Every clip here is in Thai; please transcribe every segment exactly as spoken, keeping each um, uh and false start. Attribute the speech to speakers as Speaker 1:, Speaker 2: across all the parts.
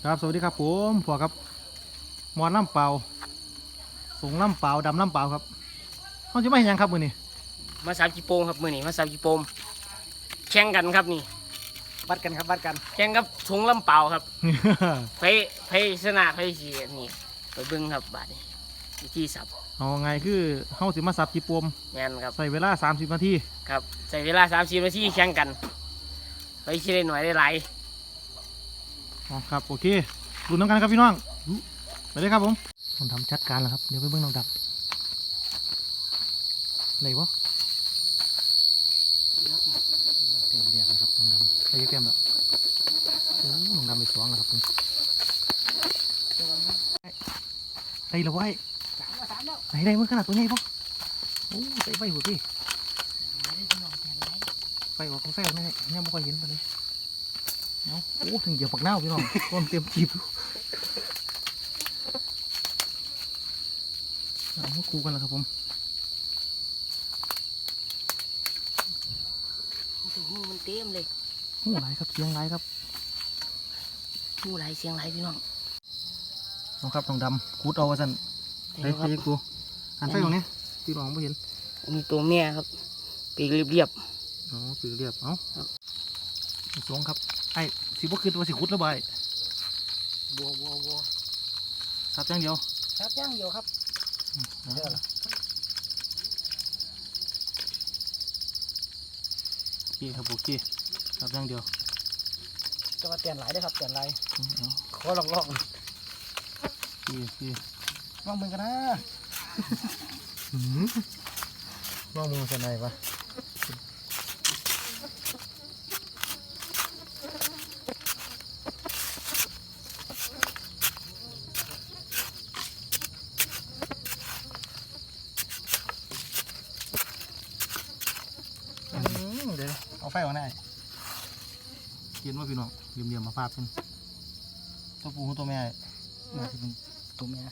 Speaker 1: ครับสวัสดีครับผมผัวครับมอนน้ำเปล่าสูงน้ำเปล่าดำน้ำเปล่าครับเขาจะไม่เห็นยังครับมือนี่
Speaker 2: มาสามจีโปมครับมือนี่มาสามจีโปมแข่งกันครับนี่
Speaker 1: วัดกันครับวัดกัน
Speaker 2: แข่งกับถุงลำเปล่าครับไฟไฟชนะไฟเสียนี่ไปเบิ้งครับบาดนี้วิธีสับ
Speaker 1: เอาไงคือเขาสิมาสับจีปม
Speaker 2: แมนครับ
Speaker 1: ใส่เวลาสามสิบนาที
Speaker 2: ครับใส่เวลาสามสิบนาทีแข่งกันไปชิได้หน่อยได้หลาย
Speaker 1: อ๋อครับโอเคดูน้องกันครับพี่น้องไปเลยครับผมผมทำชัดการแล้วครับเดี๋ยวไปเบิ้งน้องดับไหนวะเต็มเรียกเลยครับน้องดำใครจะเต็มแล้วโอ้น้องดำไปสองแล้วครับผมได้แล้วไว้ไหนได้เมื่อขนาดตัวใหญ่ปะโอ้ใส่ใบหัวพี่ไฟออกของไฟออกนี่เนี่ยไม่ค่อยเห็นไปเลยเอาโอ้ถึงเหยียบปักเน่าพี่น้องต้นเตรียมจีบเอามาคูกันแล้วครับผม
Speaker 2: หูมันเต็มเลย
Speaker 1: หูไหลครับเสียงไหลครับ
Speaker 2: หูไหลเสียงไหลพี่น้อง
Speaker 1: น้องครับน้องดำคูดเอาวะสันไปไปกูหันไฟตรงนี้พี่น้องไม่เห็น
Speaker 2: มีตัวแม่ครับปีกเรียบ
Speaker 1: อ๋อปีกเรียบเอ้าสองครับไอ้สิบ่คือว่าสิคุดแล้วใบ
Speaker 2: บัวบัวบัว
Speaker 1: สับอย่างเดียว
Speaker 2: สับอย่างเดียวครับ
Speaker 1: เดี๋ยวละโอเคครับโอเคสับอย่างเดียว
Speaker 2: จะมาเปลี่ยนหลายได้ครับเปลี่ยนหลายขอลองลอง
Speaker 1: โอเค
Speaker 2: ลองมือกันนะ
Speaker 1: ลองมือกันไหนปะเดี๋ยวเอาไฟออกได้เย็นว่าพี่น้องเยี่ยมเยี่ยมมาภาพเป็นตัวปูตัวแม่น่าจะเป็นตัวแม่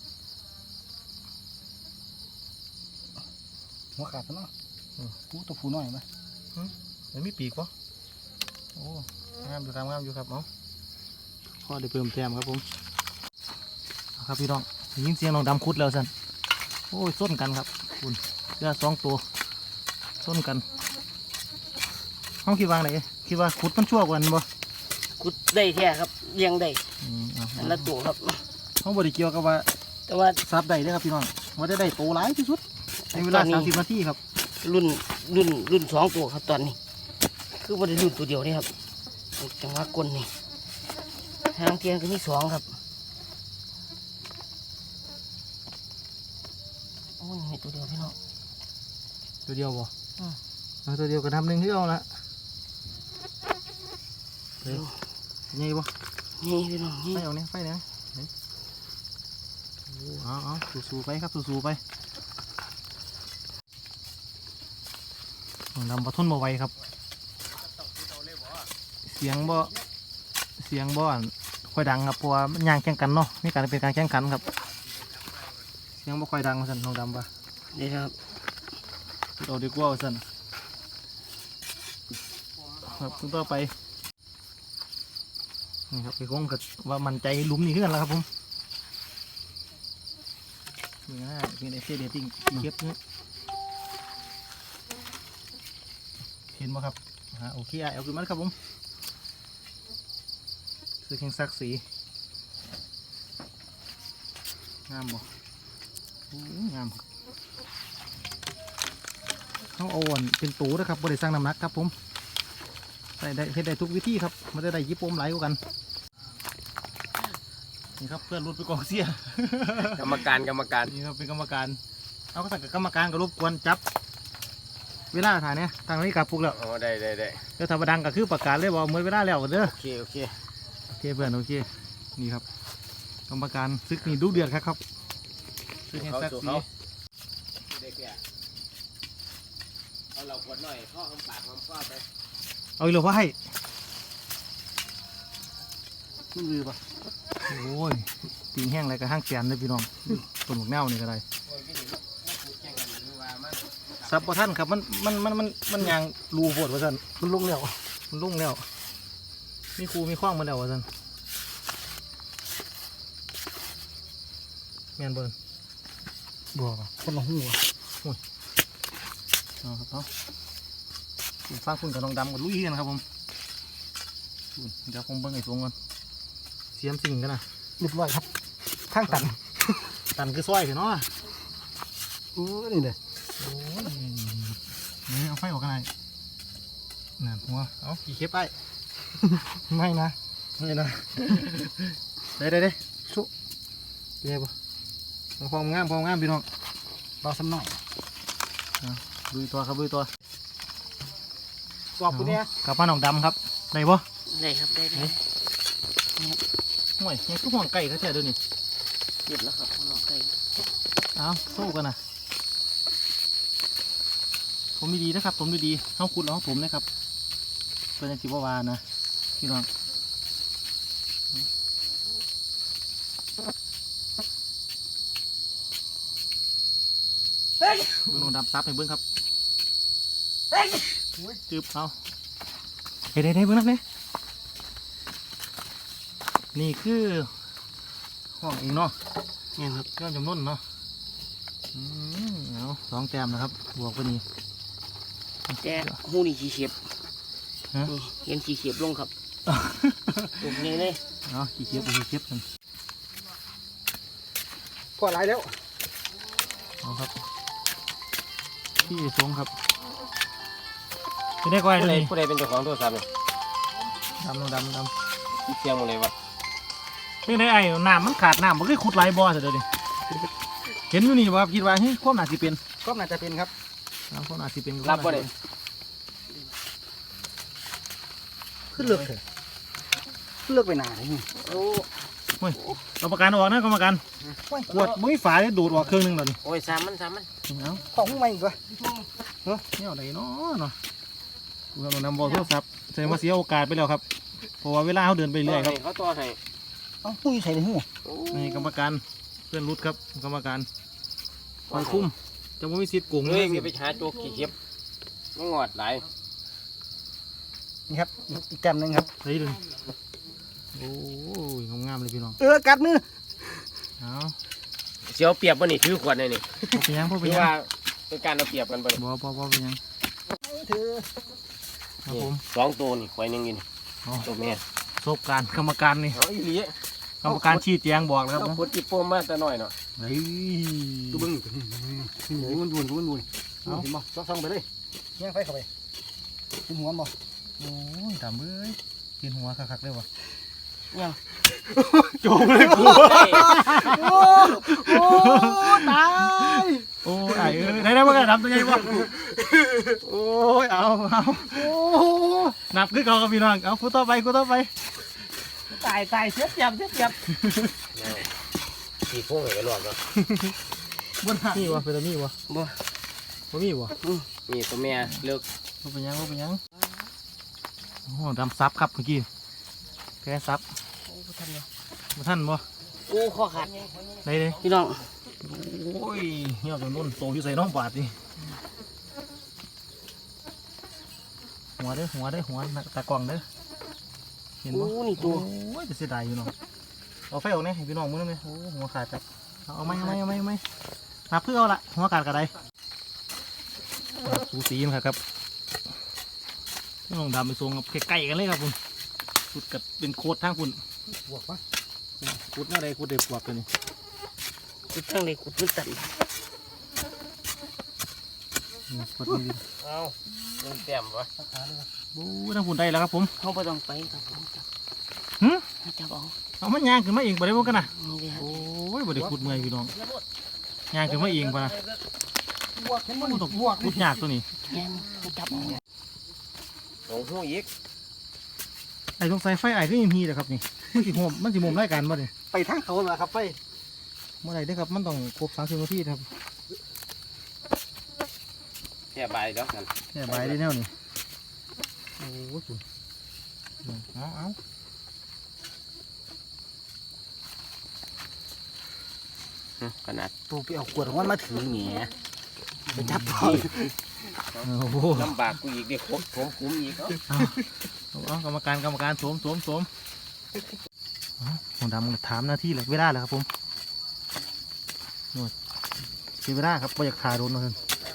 Speaker 2: หัวขาดแล้วเนาะปูตัวปูน้อยไหม
Speaker 1: มันมีปีกปะโอ้งามอยู่ครับงามอยู่ครับเนาะข้อได้เพิ่มแต้มครับผมครับพี่น้องยินเสียงน้องดำคุดแล้วสันโอ้ยส้นกันครับคุณเรือสองตัวส้นกันเขาคิดว่าไงคิดว่าขุดมันชั่วกว่านั้นบ่
Speaker 2: ขุดได้แท้ครับเลี้ยงได้อันละตัวครับ
Speaker 1: เขาบริเกี่ยวกับว่า
Speaker 2: แต่ว่า
Speaker 1: ซับได้ด้วยครับพี่น้องว่าได้ได้โตหลายที่สุดในเวลาสามสิบนาทีครับ
Speaker 2: รุ่นรุ่นรุ่นสองตัวครับตอนนี้คือว่าได้รุ่นตัวเดียวนี่ครับจังหวะก้นนี่ทางเทียนก็มีสองครับโอ้ยมีตัวเดียวพี่น้อง
Speaker 1: ตัวเดียวบ่เอาตัวเดียวก็ทำหนึ่งที่เอาละนี่บ่
Speaker 2: นี่พี่น้องนี่
Speaker 1: ไฟเอาเนี่ยไฟเนี่ยเอาเอาสู้ๆไปครับสู้ๆไปดำปะทุนบ่ไหวครับเสียงบ่เสียงบ่ค่อยดังครับเพราะว่ามันย่างแข่งกันเนาะนี่การเป็นการแข่งขันครับเสียงบ่ค่อยดังสั่นน้องดำปะ
Speaker 2: นี่ครับ
Speaker 1: เราดีกว่าสั่นครับต่อไปนี่ครับไปคงกับว่ามันใจหลุมนี่ขึ้นแล้วครับผมนี่นะเป็นไอเสียเดติ้งเก็บเนี่ยเห็นไหมครับฮะโอเคเอาขึ้นมาครับผมซื้อแข่งซักสีงามบ่งามเขาอ่อนเป็นตูนะครับบริสั่งน้ำหนักครับผมใส่ได้เฮ็ดได้ทุกวิธีครับมันจะได้ยิบปมไหลกว่ากันนี่ครับเพื่อนรุดไปกองเสีย
Speaker 2: กรรมการกรรมการ
Speaker 1: นี่ครับเป็นกรรมการเอาก็สั่งกับกรรมการก็รบกวนจับเวลาถ่ายเนี่ยทางนี้กับพวกแล้ว
Speaker 2: อ๋อได้ได้ได้
Speaker 1: เดี๋ยวทำดังก็คือประกาศเลยบอกเมื่อเวลาแล้วเด้อ
Speaker 2: โอเคโอเค
Speaker 1: โอเคเพื่อนโอเคนี่ครับกรรมการซึกนี่ดุเดือดครับครับซึกแห่งซักสี
Speaker 2: เอาเราขวดหน่อยข้อคำปากคำข้อไป
Speaker 1: เอาอีกหรอวะให้มือปะโอ้ยตีนแห้งอะไรกับห้างแกนเลยพี่น้องต้นหมกแนวนี่ก็ได้ซับปะท่านครับมันมันมันมันมันยางรูโผล่วะท่านมันลุ่งแล้วมันลุ่งแล้วมีครูมีข้องมาแล้ววะท่านแม่นเบิ้ลบัวป่ะคนละหูอ่ะโอ้ยเอาครับเอาคุณฟ้าคุณกับน้องดำกับลุยกันครับผมเดี๋ยวผมเบิ้งไอ้สวงก่อนเสียมสิ่งกันนะเรียบร้อยครับข้างตัน ตันคือซอยเถอะเนาะโอ้นี่เลยโอ้ยนี่เอาไฟออกกันไหนนั่นหัวเอากี่เคปไป ไม่นะไม่นะ ได้ได้ได้ชุบเป็นไงบ่พองงามพองงามพี่น้องรอสักหน่อยดูตัวครับดูตัวกรอบคุณเนี่ยกับป้าหนองดำครับได้บ่
Speaker 2: ได้ครับได้ได้
Speaker 1: ห่วยยังคือห่วงไก่เขาเจอเดี๋ยวนี้
Speaker 2: หยุดแล้วครับน้องไก่
Speaker 1: เอาสู้กันนะผมดีๆนะครับผมดีๆเอาคุณเอาผมนะครับเป็นจิบวานะพี่น้องเบิ้งลงดำซับให้เบิ้งครับจืบเอาเฮ้ยได้ๆเบิ้งนักเนี่ยนี่คือห้องเองเนาะ
Speaker 2: เนี่ยครับ
Speaker 1: ย้อนจำนวนเนาะอืมเอาสองแต้มนะครับบวกไปนี่
Speaker 2: แต่หูนี่ขี้เข็บนี่เห็นขี้เข็บลงครับตรงนี้เลย
Speaker 1: เนาะขี้เกียจขี้เกียจกัน
Speaker 3: พอไรแล้ว
Speaker 1: เอาครับพี่สงครับจะได้ก้อย
Speaker 2: ผู้
Speaker 1: เล
Speaker 2: ใด
Speaker 1: ย
Speaker 2: ผู้ใดเป็นเจ้าของโทรศัพท์เนี่ย
Speaker 1: ดำลงดำด
Speaker 2: เสียงหมดเลยวะ
Speaker 1: ำเรื่องได้ไอ้น้ำมันขาดน้ำมันก็ขุดไหลบ่อเสียเดี๋ยวนี้เห็นอยู่นี่บ่ครับคิดว่าเฮ้ยความหนาสิเป็น
Speaker 3: ก็น่าจะเป็นครับ
Speaker 1: น้ำความหนาสิเป็น
Speaker 2: รับบ่ได้
Speaker 3: ขึ้นเลือกเถอะขึ้นเลือกไปหนาเลยนี่
Speaker 2: โอ้
Speaker 1: กรรมการออกนะกรรมการขวดมุ้ยฝาเนี่ยดูดออกเครื่องหนึงแล้วนี่
Speaker 2: โอ้ยสามมันสามมัน
Speaker 1: เอา
Speaker 3: ของใหม่อีกวะ
Speaker 1: เฮ้ยเนี่ยอะไรเนาะเนาะกูกำลังนำบอลโทรศัพท์แสดงว่าเสียโอกาสไปแล้วครับเพราะว่าเวลาเขาเดินไปเรื่อยครับ
Speaker 2: เขาต่อให้
Speaker 3: เอ้าปุ้ยใส่ในหู
Speaker 1: นี่กรรมการเพื่อนรุดครับกรรมการคอยคุ้มจะไม่มีสิทธิ์โกง
Speaker 2: เฮ้
Speaker 1: เลย ย
Speaker 2: มีไปหาโจกขี้เข็บไม่งอดหลาย
Speaker 3: นี่ครับอีกแกมหนึงครับ
Speaker 1: เฮ้ยดึงโอ้ยงามๆเลยพี่น้อง
Speaker 3: เออกัดมือ
Speaker 1: เอา
Speaker 2: เสียวเปรียบบ่นี่ถือขวดนี่นี่
Speaker 1: พอไปยังพอไป
Speaker 2: ถือ
Speaker 1: ยัง
Speaker 2: ว่าเป็นการเอาเปรียบกันบ่นี่
Speaker 1: บ่บ่บ่ไปยัง
Speaker 3: เธอ
Speaker 1: ครับผม
Speaker 2: สองตัวนี่ควายหนึงนี่
Speaker 1: เอา
Speaker 2: ตัวแม่
Speaker 1: ประสบการณ์กรรมการนี่
Speaker 2: เอาอีหลี
Speaker 1: กรรมการชี้แจงบอกแล้วครับ
Speaker 2: เอาขวดจิโป้มาแต่น้อยเนาะ
Speaker 1: เฮ้ย
Speaker 3: ดูบึ้งนี่มันบุญบุญบุญเห็นบ่ซ่องไปเลยแย่งไฟเข้าไปกินหัวบ่
Speaker 1: โอ้ยตามเอ้ยกินหัวคักๆเลยวะ
Speaker 2: ยัง
Speaker 1: โจมเลยกู
Speaker 3: โอ้โอ้ตาย
Speaker 1: โอ้ยไอ้เอ้ยได้ได้บ่กันนับตัวใหญ่บ่โอ้ยเอาเอา
Speaker 3: โอ้
Speaker 1: นับคือเก่ากับพี่น้องเอากูต่อไปกูต่อไป
Speaker 3: ตายตายเสียบเสียบเสียบเสียบ
Speaker 2: ขี้โป้งให้ไปลวกเนาะ
Speaker 3: บนหัก
Speaker 1: มีวะเป็นตัวมีวะ
Speaker 2: บ่
Speaker 1: บ่มีวะ
Speaker 2: นี่ตัวแม่เลิก
Speaker 1: ว่าเป็นยังว่าเป็นยังโอ้ดำซับครับเมื่อกี้แกซับ
Speaker 2: โอ้บ่ทันเลย
Speaker 1: มาท่านบ่
Speaker 2: โอ้ข้อขาด
Speaker 1: ได้เลย
Speaker 2: พี่น้อง
Speaker 1: โอ้ยเหี่ยวจนนุ่นโตอยู่ใส่น้องบาดนี่หัวเด้อหัวเด้อหัวตากล่องเด้อเห็น
Speaker 2: โอ้
Speaker 1: บ่
Speaker 2: นี่ตัว
Speaker 1: โอ้ยจะเสียดายอยู่เนาะเอาไฟออกเนี่ยให้พี่น้องมึงนั่นเลยโอ้หัวขาดจับเอาเอาไหมเอาไหมเอาไหมเอาไหมนับเพื่อเอาละหัวขาดกระไดสูสีนะครับครับน้องดำไปทรงกับใกล้ๆกันเลยครับคุณขุดกับเป็นโคตรทางคุณ
Speaker 3: บวกปะ
Speaker 1: ขุดหน้าใดขุดเด็กปวกตัวนี้
Speaker 2: กุดทั้งนี้กุดมันตัน
Speaker 1: นี่ขุดนี่
Speaker 2: เอาเงินเต็มวะ
Speaker 1: บู๊ทางคุณได้แล้วครับผม
Speaker 2: เขาไปต้องไปครับผมจับ
Speaker 1: หึ
Speaker 2: จับเอา
Speaker 1: เอามันยางขึ้นมาเองบ่ได้บ่กันนะ
Speaker 2: นี่เลยฮะ
Speaker 1: โอ้ยบ่ได้ขุดเมื่อยพี่น้องยางขึ้นมาเองปะนะ
Speaker 3: บวกเห็นบ่
Speaker 1: มันต้องขุดยากตัวนี้
Speaker 2: แง่นเขาจับเอาลงหูอีก
Speaker 1: ไอ้ตรงสายไฟไอ้ที่ยิมฮีแหละครับนี่มันสิโหมมันสิโหมรายการบ่เนี่ย
Speaker 3: ไปทางเขาเหรอครับไป
Speaker 1: เมื่อไหร่ได้อครับมันต้องครบสามสิบนาทีครับ
Speaker 2: แค่ใบแล้วกัน
Speaker 1: แค่ใบได้แนวนี่โอ้โหสุดเอาเอา
Speaker 2: ขนาด
Speaker 3: ตัวไปเอาขวดของมันมาถือแหน่ไปจับต่อ
Speaker 1: โอ้โห
Speaker 2: ลำบากกูอีกเด็กผมผมคุ้มอีกเนาะ
Speaker 1: เอาเอากรรมการกรรมการสวมสวมสวมเอาผมดำถามหน้าที่เลยเวลาเลยครับผมเสียเวลาครับไม่อยากขาโดนเลย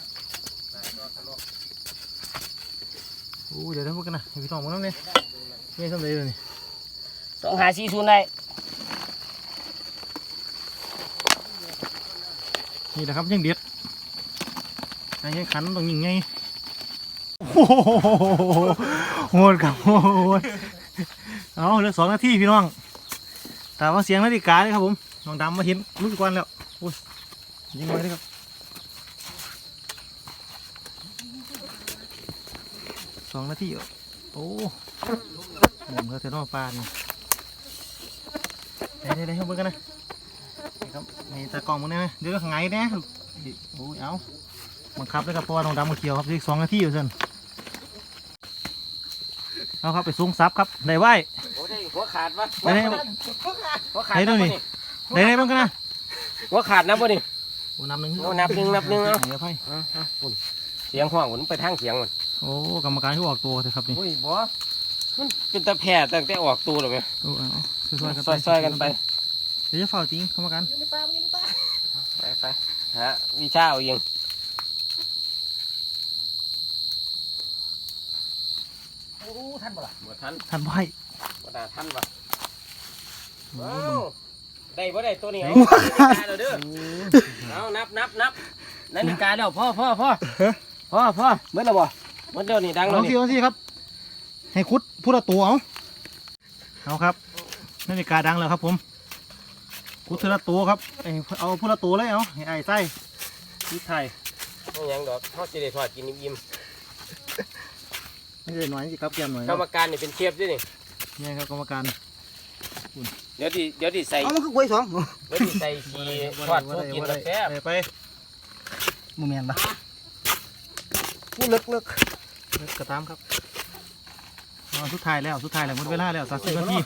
Speaker 1: โอ้เดี๋ยวเดี๋ยวพวกกันนะให้พี่น้องมาแล้วเนี่ยไม่ทำอะไรเลยนี่
Speaker 2: สองหาสี่ศูนย์ได้
Speaker 1: นี่นะครับยังเด็ดไอ้ยังขันต้องยิงไงโอ้โหโหดครับโหดเอาเหลือสองนาทีพี่น้องแต่ว่าเสียงนาฬิกาเลยครับผมน้องดำมาเห็นรู้สึกวันแล้วโอ้ยยิงไว้เลยครับสองนาทีโอ้หมุนเขาเทนอปลานี่ได้ได้ได้ให้เบิ่งกันนะนี่ครับนี่ตากล้องมึงได้ไหมเดี๋ยวไงเนี่ยโอ้ยเอาบังคับเลยครับเพราะว่าน้องดำมาเขียวครับอีกสองนาทีอยู่เส้นเอาครับไปสูงซับครับได้ไหว
Speaker 2: โอ้ได้หัวขาดปะ
Speaker 1: ได้ได้
Speaker 2: หัวขาด
Speaker 1: ได้ด้วยนี่ได้ได้บ้างกันนะ
Speaker 2: หัวขาดนะบ่นี่
Speaker 1: โอ้นับหนึ่ง
Speaker 2: เอานับหนึ่งนับหนึ่งเอา
Speaker 1: ไหนไพ่
Speaker 2: อ่ะอ่ะปุ่นเสียงห้องมันไปทางเสียงมัน
Speaker 1: โอ้กรรมการที่ออกตัวเลยครับนี่
Speaker 2: โอ้ยบ่มันเป็นตะแผ่ตั้งแต่ออกตัวหรอไหม
Speaker 1: โอ้เอาซอยๆกัน
Speaker 2: ซอยซอยๆกันไป
Speaker 1: เดี๋ยวจะเฝ้าจริงกรรมการ
Speaker 2: ไปไปฮะวิชาเอาเอง
Speaker 3: โอ้ท่านบ่ล่ะ
Speaker 2: บ่ทัน
Speaker 1: ทันไพ่
Speaker 2: บ่ได้ทันปะ
Speaker 1: โอ้
Speaker 2: ว้าวได้บ่ได้ตัวนี้เอานาฬิกาแล้วเด้อเอานับนับนับนาฬิกาแล้วพ่อพ่อพ่อพ่อพ่อ
Speaker 3: เมื่อไรบ่
Speaker 2: หมันเดี๋ยวนี้ดังแล้
Speaker 1: เอา
Speaker 2: ว
Speaker 1: สิ
Speaker 2: นี่
Speaker 1: เอาสิครับให้คุดพูดตัวเอาเอาครับนาฬิกาดังแล้วครับผมคุดเทละตัวครับเอาพูดตัวเลยเอาให้ไอ้ไส้ที่ไทย
Speaker 2: ไม่ยังดอกเขาจะได้ทอดกินอิ่ม
Speaker 1: ไม่ใช่หน่อยสิครับแกมหน่อย
Speaker 2: ๆกรรมการนี่เป็นเชฟด้วยนี่
Speaker 1: นี่ครับกรรมการ
Speaker 2: เดี๋ยวดิเดี๋ยวดิใส่
Speaker 3: เอามันคือกล้วยสอง
Speaker 2: เดี๋ยวดิใส่ชีทอดพวกกินแล้วแซ่บ
Speaker 1: ไป
Speaker 3: มือแมนปะพูดเลิกเลิก
Speaker 1: กระตามครับเอาสุดท้ายแล้วสุดท้ายแล้วหมดเวลาแล้วสามสิบนาที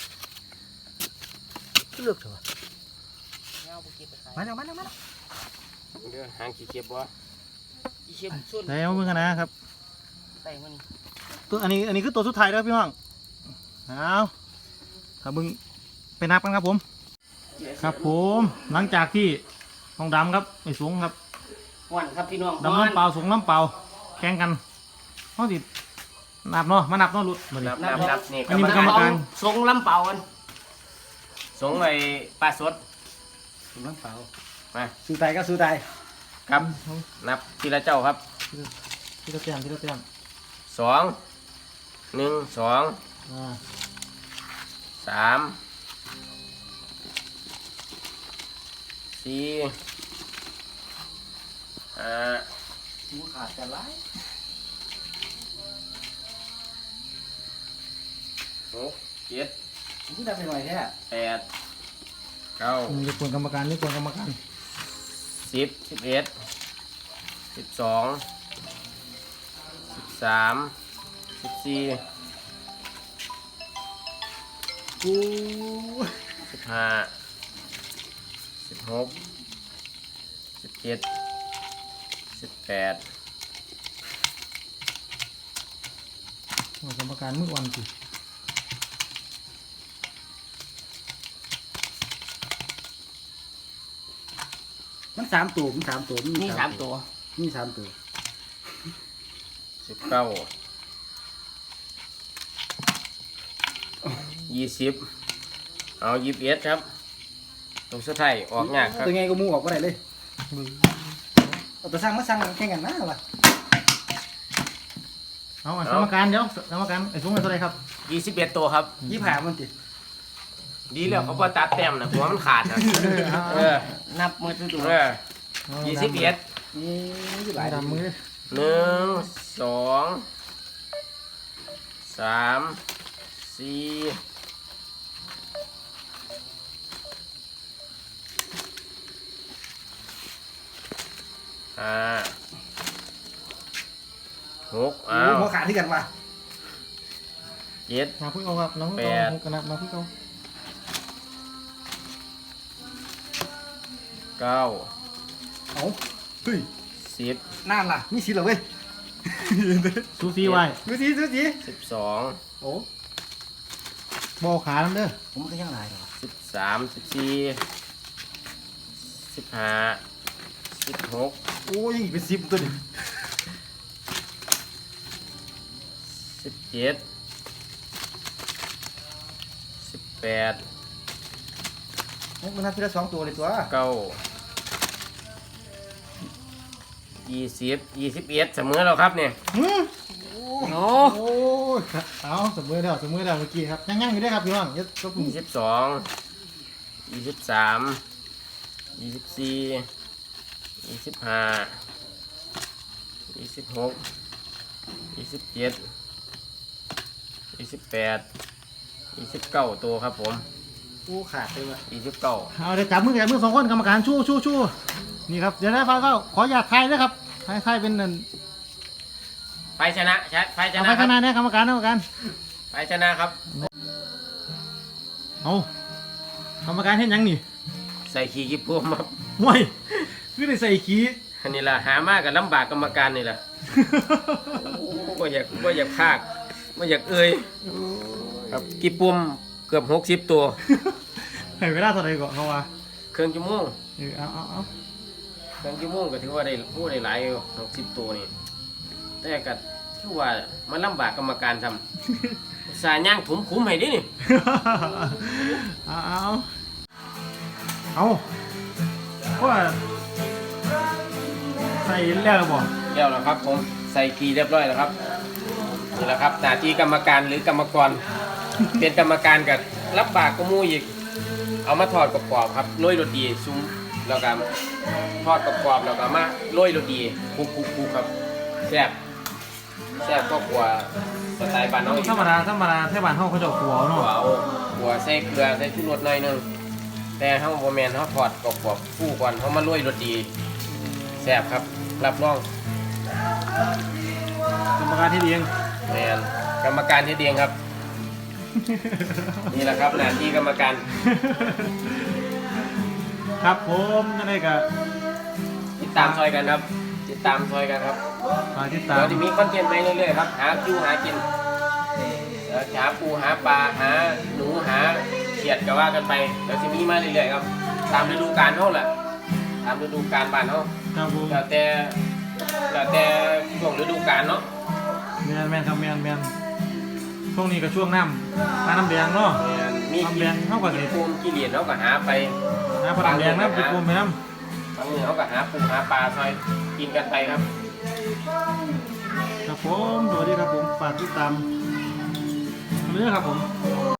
Speaker 3: เลิกเถอะมาแล้วมาแล้วมาแล้ว
Speaker 2: เดี๋ยวหางขี้เก็บบ่ขี้เก็บส่วน
Speaker 1: แล้วมึงกันนะครับ
Speaker 2: ใส่มัน
Speaker 1: ตัวอันนี้อันนี้คือตัวสุดท้ายแล้วพี่น้องเอาถ้ามึงไปนับกันครับผม ครับผมหลังจากที่ทองดำครับไอ้สูงครับ
Speaker 2: หวานครับพี่น้อง
Speaker 1: ดำน้ำเปล่าสูงน้ำเปล่าแข่งกันเขาสินับเนาะมานับเนาะลุดเหมือน
Speaker 2: นับนับนับนี่
Speaker 1: อันนี้เป็นกรรมการ
Speaker 2: สงลำเปล่ากันสงไอ้ปลาสด
Speaker 3: น้ำเปล่า
Speaker 2: มา
Speaker 3: สู้ตายก็สู้ตาย
Speaker 2: ครับนับทีละเจ้าครับ
Speaker 1: ที่เราเตรียมที่เราเตรียม
Speaker 2: สองหนึ่งสอง
Speaker 1: อ่า
Speaker 2: สามสี่ห้า
Speaker 3: หัวขาดจะไล่
Speaker 2: หกเจ็ด
Speaker 3: ที่ทำไปหน่อยแท้
Speaker 2: แปดเก้า
Speaker 1: มึงจะควรกรรมการนี่ควรกรรมการ
Speaker 2: สิบสิบเอ็ดสิบสองสิบสามสิบสี่
Speaker 3: กู
Speaker 2: สิบห้าสิบหกสิบเจ็ดสิบแปด
Speaker 1: กรรมการมือวันสิ
Speaker 3: มันสามตัวมันสามตัว
Speaker 2: มีสามตัว
Speaker 3: มีสามตัว
Speaker 2: สิบเก้ายี่สิบเอายี่สิบเอ็ดครับตรงสุดท้ายออกยากครับ
Speaker 3: ตัวไงก็มูออกก็ได้เลยเอาตัวสร้างมาสร้างแข่งกันนะวะ
Speaker 1: เอาอ่ะกรรมการเดี๋ยวกรรมการไอ้สูงเป็นเท่าไหรครับ
Speaker 2: ยี่สิบเอ็ดตัวครับ
Speaker 3: ยี่ผ่ามันติ
Speaker 2: ดีแล้วเขาบอตัดแต้มนะหัวมันขาดนะเออ
Speaker 3: นับมือตัว
Speaker 2: เออยี่สิบเอ็ด
Speaker 3: นี่ยี่ห
Speaker 1: ห
Speaker 3: ลา
Speaker 1: ลาย ย
Speaker 3: ดำ
Speaker 1: ดำ
Speaker 3: มื
Speaker 1: มื
Speaker 3: อ
Speaker 1: อ
Speaker 2: หนึ่งสองสามสี่ห้าหกอ้าว
Speaker 3: หัวขาดที่กันวะ
Speaker 2: เจ็ด
Speaker 1: มาพึ่งเอาครับน้อง
Speaker 2: แป
Speaker 1: เอา
Speaker 2: ด
Speaker 1: กระนับมาพึ่งเอา
Speaker 2: เก้า
Speaker 3: เอาเฮ้ย
Speaker 2: สิบ
Speaker 3: นั่นล่ะมีสิเหรอเว้ย
Speaker 1: ซูซีไว้
Speaker 3: ดูสิดูสิ
Speaker 2: สิบสอง
Speaker 3: โอ้
Speaker 1: บอขาน้ำเด้อ
Speaker 3: ผมก็ยังหลายเหรอ
Speaker 2: สิบสามสิบสี่
Speaker 4: สิบห้าสิบหก
Speaker 1: โอ้ยเป็นสิบตัวนี่
Speaker 4: สิบเจ็ดสิบแปด
Speaker 1: มันนับทีละสองตัวเลยตัว
Speaker 4: เก้ายี่สิบยี่สิบเอ็ดเสมอแล้วครับเนี่ย
Speaker 1: หืม
Speaker 2: โอ้
Speaker 1: โอ้ยเอาสมมือแล้วสมมือแล้วเมื่อกี้ครับยังๆอยู่ได้ครับพี่น้องยัดก็ปุ่ม
Speaker 4: ยี่สิบสองยี่สิบสามยี่สิบสี่ยี่สิบห้ายี่สิบหกยี่สิบเจ็ดยี่สิบแปดยี่สิบเก้าตัวครับผม
Speaker 1: โอ้ขาดเลยว่ะ
Speaker 4: ยี่สิบเก้า
Speaker 1: เอาเดี๋ยวจับมือจับมือสองคนกรรมการชู้ชู้ชู้นี่ครับเดี๋ยวนะฟ้าเฝ้าขออยากทายด้วยครับทายทายเป็นนั่น
Speaker 4: ไฟชนะใช่ไฟช
Speaker 1: เอา
Speaker 4: นะ
Speaker 1: ไป
Speaker 4: ครั
Speaker 1: ข้า
Speaker 4: บ
Speaker 1: งหน้าเนี่ยกรรมการกรรมการ
Speaker 4: ไฟชนะครับ
Speaker 1: เอากรรมการเห็นยังนี่
Speaker 4: ใส่ขี้กิ๊บพวมครับ
Speaker 1: ห่วยคือได้ใส่ขี้
Speaker 4: อันนี้ล่ะหามากกับลำบากกรรมการนี่แหละว่าอยากว่าอยากพากว่าอยากเอ่ยครับกิ๊บปุ่มเกือบหกสิบตัว
Speaker 1: ให้เวลาเท่าไหร่ก่อนเขาว่า
Speaker 4: เครื่องชั่วโมง
Speaker 1: เออเอาเอาเอา
Speaker 4: เครื่องชั่วโมงก็ถือว่าได้ผู้ได้หลายหกสิบตัวนี่แต่ก็ถือว่ามันลำบากกรรมการทำสายย่างถุมคุ้มให้ดินี่
Speaker 1: เอาเอาเอาว่าใส่แล้วหรือเปล่า
Speaker 4: เรียบแล้วครับผมใส่กีเรียบร้อยแล้วครับนี่แหละครับหน้าที่กรรมการหรือกรรมกร เป็นกรรมการกับรับบากกมูอีกเอามาทอดกรอบๆครับโรยโรตีซุ้มแล้วก็ทอดกรอบๆแล้วก็มาโรยโรตีคลุกๆๆครับแซ่บแซ่บก็กลัวสไตล์บ้านน้องอีก
Speaker 1: ธรรมดาธรรมดาแท่บ้านเขาเขาจะเอาหัว
Speaker 4: หั
Speaker 1: เนาะ
Speaker 4: วเอาหัวใส่เกลือใส่ชูรสหน่อยหนึงแต่เฮาบ่แม่นเฮาทอดกรอบๆฟูก่อนเฮามาโรยโรตีแซ่บครับรับรอง
Speaker 1: กรรมการที่เลี้ยง
Speaker 4: แมนกรรมการที่เดียงครับ นี่แหละครับหน้าที่กรรมการ
Speaker 1: ครับผมนั่นเองกับ
Speaker 4: ติดตามซอยกันครับ ติดตามซอยกันครับ
Speaker 1: ฝากติดตาม
Speaker 4: เดี๋ยวจะมีคอนเทนต์ใหม่เรื่อยๆครับหาจูหากินเดี๋ยวหาปูหาปลาหาหนูหาเขียดก็ว่ากันไปเดี๋ยวจะมีมาเรื่อยๆครับตามฤดูกาลเขาแหละตามฤดูกาลบ้านเขา
Speaker 1: ครับผม
Speaker 4: แล้วแต่แล้วแต่ช่วงฤดูกาลเนาะ
Speaker 1: แมนแมนครับแมนแมนช่วงนี้ก็ช่วงน้ำปลาน้ำแดงเนาะ
Speaker 4: แม่นมี
Speaker 1: น้ำแดงเท่ากับสิ
Speaker 4: ปูมกี่เหรียญเขาก็หาไป
Speaker 1: น้ำปลาน้ำแดงน้ำปูปูแม่น้
Speaker 4: บางมือเขาก็หาปูหาปลาซอยกินกันไปครับ
Speaker 1: ำครับผมสวัสดีครับผมฝากติดตามเรื่องครับผม